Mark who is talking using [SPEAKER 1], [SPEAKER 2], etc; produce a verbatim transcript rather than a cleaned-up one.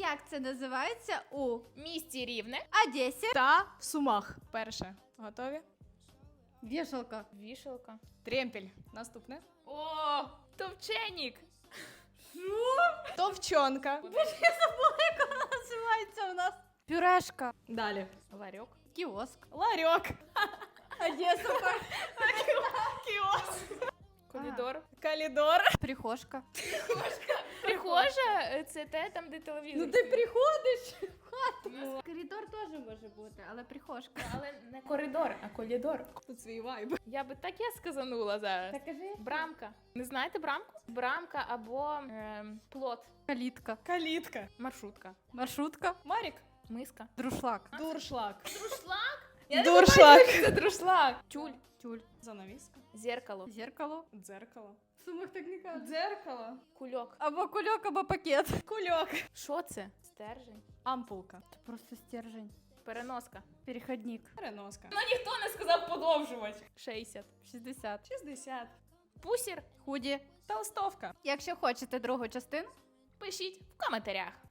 [SPEAKER 1] Як це називається у
[SPEAKER 2] Місті Рівне.
[SPEAKER 1] Одесі?
[SPEAKER 3] Та в Сумах. Перше. Готові?
[SPEAKER 1] Вішалка.
[SPEAKER 2] Вішалка.
[SPEAKER 3] Тремпель. Наступне.
[SPEAKER 2] О, товченік.
[SPEAKER 3] Товчонка.
[SPEAKER 1] Називається у нас пюрешка.
[SPEAKER 3] Далі.
[SPEAKER 2] Ларьок.
[SPEAKER 1] Кіоск.
[SPEAKER 3] Ларьок.
[SPEAKER 1] Одеса.
[SPEAKER 3] Кіоск.
[SPEAKER 2] Коридор.
[SPEAKER 3] Калідор.
[SPEAKER 1] Прихожка.
[SPEAKER 2] Прихожа е, це те, там, де телевізор.
[SPEAKER 3] Ну ти приходиш.
[SPEAKER 2] Ну,
[SPEAKER 1] Коридор теж може бути, але прихожка.
[SPEAKER 2] але не коридор, а колідор.
[SPEAKER 3] Тут свій вайб.
[SPEAKER 2] Я би таке сказанула зараз.
[SPEAKER 1] Так кажи.
[SPEAKER 2] Брамка. Не знаєте брамку? Брамка або ем, плот.
[SPEAKER 1] Калітка.
[SPEAKER 3] Калітка.
[SPEAKER 2] Маршрутка.
[SPEAKER 1] Маршрутка.
[SPEAKER 3] Марік.
[SPEAKER 2] Миска.
[SPEAKER 1] Друшлак.
[SPEAKER 3] Дуршлаг.
[SPEAKER 2] Друшлак?
[SPEAKER 3] Дуршлаг.
[SPEAKER 2] Це друшлак. Тюль.
[SPEAKER 1] Тюль.
[SPEAKER 3] Занавіска.
[SPEAKER 2] Зеркало.
[SPEAKER 1] Зеркало.
[SPEAKER 3] Дзеркало.
[SPEAKER 1] В Сумах так не кажуть.
[SPEAKER 3] Дзеркало.
[SPEAKER 2] Кульок.
[SPEAKER 1] Або кульок, або пакет.
[SPEAKER 3] Кульок.
[SPEAKER 2] Що це? Стержень.
[SPEAKER 3] Ампулка.
[SPEAKER 1] Це просто стержень.
[SPEAKER 2] Переноска.
[SPEAKER 1] Переходник.
[SPEAKER 3] Переноска.
[SPEAKER 2] Ну ніхто не сказав подовжувати. шістдесят.
[SPEAKER 1] шістдесят.
[SPEAKER 3] шістдесят.
[SPEAKER 2] Пусір.
[SPEAKER 1] Худі.
[SPEAKER 3] Толстовка.
[SPEAKER 1] Якщо хочете другу частину,
[SPEAKER 2] Пишіть в коментарях.